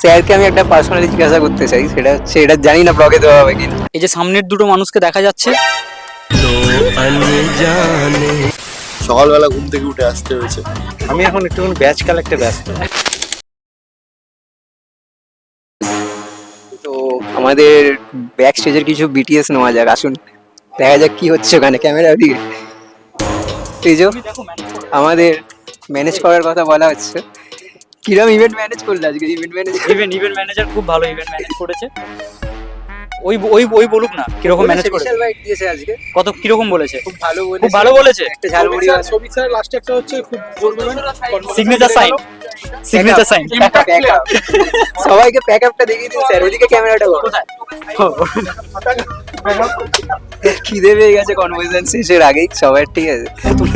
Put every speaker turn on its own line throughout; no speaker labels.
স্যারকে আমি একটা পার্সোনালি জিজ্ঞাসা করতে চাই, সেটা হচ্ছে এটা জানি না ব্লগে দেওয়া হবে কিনা।
এই যে সামনের দুটো মানুষকে দেখা যাচ্ছে,
সকালবেলা ঘুম থেকে উঠে আসতে হয়েছে।
আমি এখন একটুখানি ব্যাচ কালেক্টে ব্যস্ত।
তো আমাদের ব্যাক স্টেজের কিছু বিটিএস নেওয়া যাক, আসুন দেখা যাক কি হচ্ছে ওখানে ক্যামেরা দিকে। এই যে আমাদের ম্যানেজ করার কথা বলা হচ্ছে, কিরম ইভেন্ট ম্যানেজ করলে আজকে? ইভেন্ট
ম্যানেজার খুব ভালো ইভেন্ট ম্যানেজ করেছে। ওই ওই ওই বলুক না কিরকম ম্যানেজ করেছে,
স্পেশাল বাইট দিয়েছে আজকে,
কত কিরকম বলেছে?
খুব ভালো বলেছে,
খুব ভালো বলেছে।
একটা ঝালমুড়ি
সবিক স্যার লাস্টে একটা হচ্ছে খুব জোর বলবেন
সিগনেচার সাইন
সবাইকে প্যাক আপটা দেখিয়ে দিন স্যার, ওদিকে ক্যামেরাটা
কোথায়?
খিদে পেয়ে গেছে কনভারসেশন শেষের আগেই সবার, ঠিক আছে।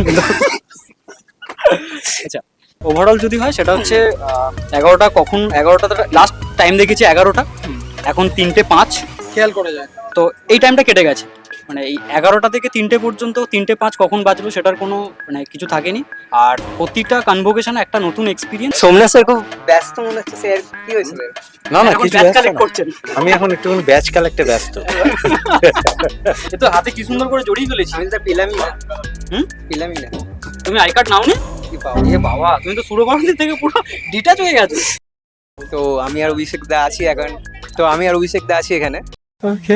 আচ্ছা, ওভারঅল যদি হয় সেটা হচ্ছে 11টা, কখন 11টা লাস্ট টাইম দেখেছি 11টা, এখন 3:05।
খেয়াল করা যায়।
তো এই টাইমটা কেটে গেছে, মানে এই 11টা থেকে 3টে পর্যন্ত 3:05 কখন বাজলো সেটার কোনো মানে কিছু থাকেনি। আর প্রতিটা কনভোকেশনে একটা নতুন এক্সপিরিয়েন্স।
সোমনাথ স্যার খুব ব্যস্ত মনে হচ্ছে, স্যার কি হয়েছিল?
না না, কিছু ব্যস্ত
কালেক্ট
না।
করছেন,
আমি এখন একটুখানি ব্যাচ কালেক্টে ব্যস্ত।
এ তো হাতে কি সুন্দর করে জড়িয়ে ফেলেছি।
আমি তো পেলামই না,
হুম,
পেলামই না।
তুমি আই কার্ড নাও নি?
কি পাবো?
এ বাবা, তুমি তো সুরবান্তি থেকে পুরো ডিটাচ হয়ে গেছো।
তো আমি আর অভিষেক দা আছি এখন, এখানে।
ওকে।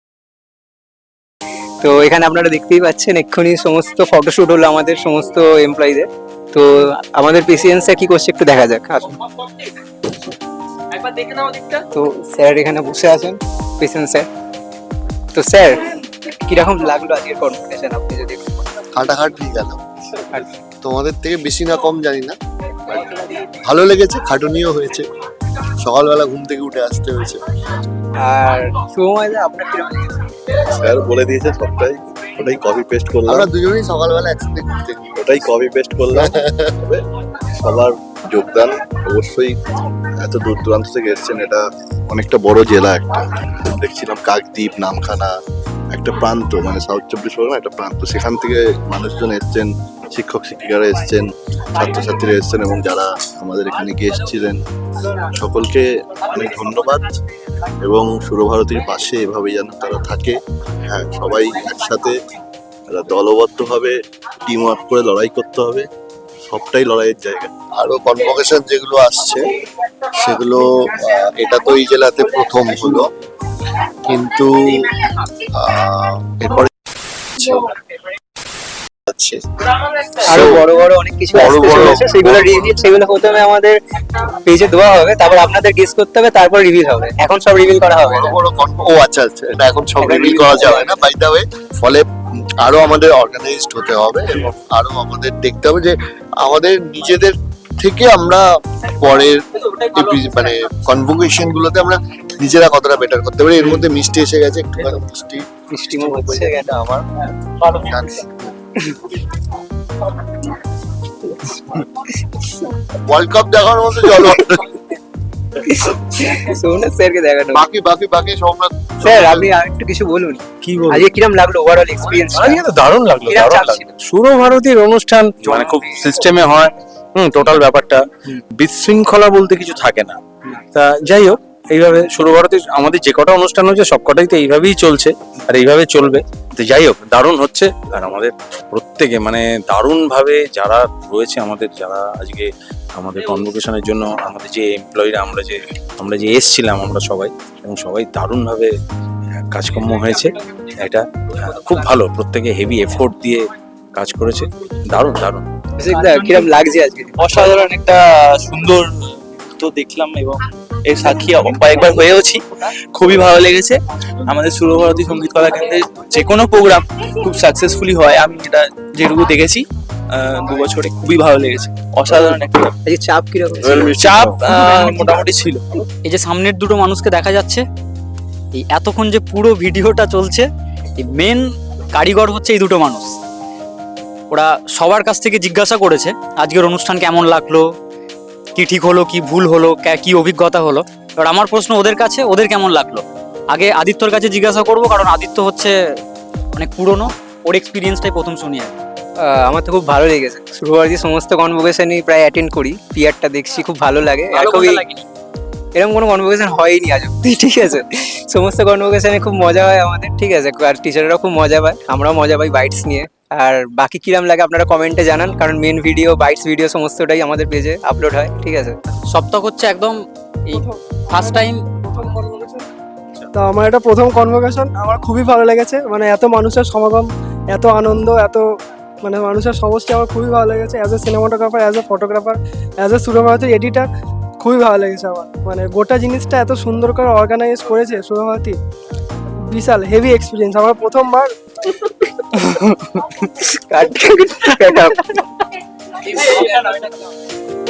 তো এখানে আপনারা দেখতেই পাচ্ছেন এক্ষুনি সমস্ত ফটোশুট হলো আমাদের সমস্ত এমপ্লয়ীদের। তো আমাদের পেসিয়েন্সে কি করছে একটু দেখা যাক, আসুন।
একবার দেখে নাও দিকটা।
তো স্যার এখানে বসে আছেন, পেসিয়েন্স স্যার। তো স্যার কিরকম লাগলো আজকের কনভারসেশন, আপনি যদি একটু বলেন?
খাটাখাটি গেল, তোমাদের থেকে বেশি না কম জানি না, ভালো লেগেছে, খাটুনিও হয়েছে, সকালবেলা ঘুম থেকে উঠে আসতে হয়েছে।
আর শুভময় দা আপনার কিরকম লেগেছে?
স্যার বলে দিয়েছে সবটাই, ওটাই কপি পেস্ট করলাম।
আমরা দুজনেই সকালবেলা একসাথে ঘুরতে গেছি।
ওটাই কপি পেস্ট করলাম। তবে সবার যোগদান অবশ্যই, এত দূর দূরান্ত থেকে এসছেন, এটা অনেকটা বড় জেলা একটা। দেখছিলাম কাকদ্বীপ, নামখানা, একটা প্রান্ত, মানে সাউথ 24 পরগনা একটা প্রান্ত, সেখান থেকে মানুষজন এসছেন, শিক্ষক শিক্ষিকারা এসছেন, ছাত্রছাত্রীরা এসছেন, এবং যারা আমাদের এখানে গেস্ট ছিলেন সকলকে অনেক ধন্যবাদ। এবং সুরভারতীর পাশে এভাবেই যেন তারা থাকে, হ্যাঁ, সবাই একসাথে দলবদ্ধভাবে টিম ওয়ার্ক করে লড়াই করতে হবে, সবটাই লড়াইয়ের জায়গা।
আরো কনভোকেশন যেগুলো আসছে সেগুলো এটা তো এই জেলাতে প্রথম হলো, কিন্তু এরপরে আছে
আরো বড় বড় অনেক কিছু আসতে চলেছে, সেগুলো রিভিল, সেগুলো প্রথমে আমাদের পেজে দেওয়া হবে, তারপর আপনাদের গেস করতে হবে, তারপর রিভিল হবে। এখন সব রিভিল করা হবে না।
বড় বড় ও আচ্ছা আচ্ছা, এটা এখন সব রিভিল করা যাবে না বাই দ্য ওয়ে। ফলে আরো আমাদের অর্গানাইজড হতে হবে এবং আরো আমাদের দেখতে হবে যে আমাদের নিজেদের থেকে আমরা পরের মানে কনভোকেশন গুলোতে আমরা নিজেরা কতটা বেটার করতে পারি। এর মধ্যে মিষ্টি এসে গেছে, একটুখানি
মিষ্টিমুখ হচ্ছে এটা আমার।
ওয়ার্ল্ড কাপ দেখার মতো চলো।
সোমনাথ স্যারকে দেখানো।
বাকি বাকি বাকি সব
স্যার আপনি আরেকটু কিছু বলুন,
কি বলবো?
আজকে কিরম লাগলো ওভারঅল এক্সপিরিয়েন্স?
আজকে তো দারুণ লাগলো,
কিরম
দারুণ
চাপ
লাগলো।
ছিল?
সুরভারতীর অনুষ্ঠান মানে খুব সিস্টেমে হয়, টোটাল ব্যাপারটা বিশৃঙ্খলা বলতে কিছু থাকে না। তা যাই হোক, এইভাবে সুরভারতীর আমাদের যে কটা অনুষ্ঠান হচ্ছে সব কটাই তো এইভাবেই চলছে আর এইভাবে চলবে। তো যাই হোক, দারুণ হচ্ছে। আর আমাদের প্রত্যেকে মানে দারুণভাবে যারা রয়েছে, আমাদের যারা আজকে আমাদের কনভোকেশনের জন্য আমাদের যে এমপ্লয়িরা, আমরা যে এসছিলাম আমরা সবাই, এবং সবাই দারুণভাবে কাজকর্ম হয়েছে। এটা খুব ভালো, প্রত্যেকে হেভি এফোর্ট দিয়ে কাজ করেছে, দারুণ দারুণ।
অভিষেক দা কিরম লাগছে আজকে?
অসাধারণ একটা সুন্দর তো দেখলাম এবং এর সাক্ষী কয়েকবার হয়েওছি, খুবই ভালো লেগেছে। আমাদের সুরভারতী সঙ্গীত কলা কেন্দ্রের যে কোনো প্রোগ্রাম খুব সাকসেসফুলি হয়, আমি এটা যেটুকু দেখেছি 2 বছরে, খুবই ভালো লেগেছে। অসাধারণ একটা
আজকে চাপ কিরকম?
চাপ মোটামুটি ছিল।
এই যে সামনের দুটো মানুষকে দেখা যাচ্ছে, এই এতক্ষণ যে পুরো ভিডিওটা চলছে, এই মেন কারিগর হচ্ছে এই দুটো মানুষ। ওরা সবার কাছ থেকে জিজ্ঞাসা করেছে আজকের অনুষ্ঠান কেমন লাগলো, কি ঠিক হলো, কি ভুল হলো, কি অভিজ্ঞতা হলো। এবার আমার প্রশ্ন ওদের কাছে, ওদের কেমন লাগলো? আগে আদিত্যর কাছে জিজ্ঞাসা করবো, কারণ আদিত্য হচ্ছে অনেক পুরনো, ওর এক্সপিরিয়েন্সটাই প্রথম শুনি আর কি।
আমার তো খুব ভালো লেগেছে। শুরুবার সমস্ত কনভোকেশনই প্রায় অ্যাটেন্ড করি, পিয়ারটা দেখছি, খুব ভালো লাগে। আর খুবই এরকম কোনো কনভোকেশন হয়নি আজ অব্দি, ঠিক আছে। সমস্ত কনভোকেশনে খুব মজা হয় আমাদের, ঠিক আছে, আর টিচাররাও খুব মজা পায়, আমরাও মজা পাই বাইটস নিয়ে। আর বাকি কিরাম লাগে আপনারা কমেন্টে জানান, কারণ মেন ভিডিও বাইটস ভিডিও সমস্তটাই আমাদের পেজে আপলোড হয়, ঠিক আছে।
সপ্তাহ হচ্ছে একদম এই ফার্স্ট টাইম।
তো আমার এটা প্রথম কনভোকেশন, আমার খুবই ভালো লেগেছে, মানে এত মানুষের সমাগম, এত আনন্দ, এত মানে মানুষের সমষ্টি আমার খুবই ভালো লেগেছে। As a cinematographer, as a photographer, as a সুরভারতীর এডিটার খুবই ভালো লেগেছে আমার। মানে গোটা জিনিসটা এত সুন্দর করে অর্গানাইজ করেছে সুরভারতী, বিশাল হেভি এক্সপিরিয়েন্স। আমার প্রথমবার
কাট কাট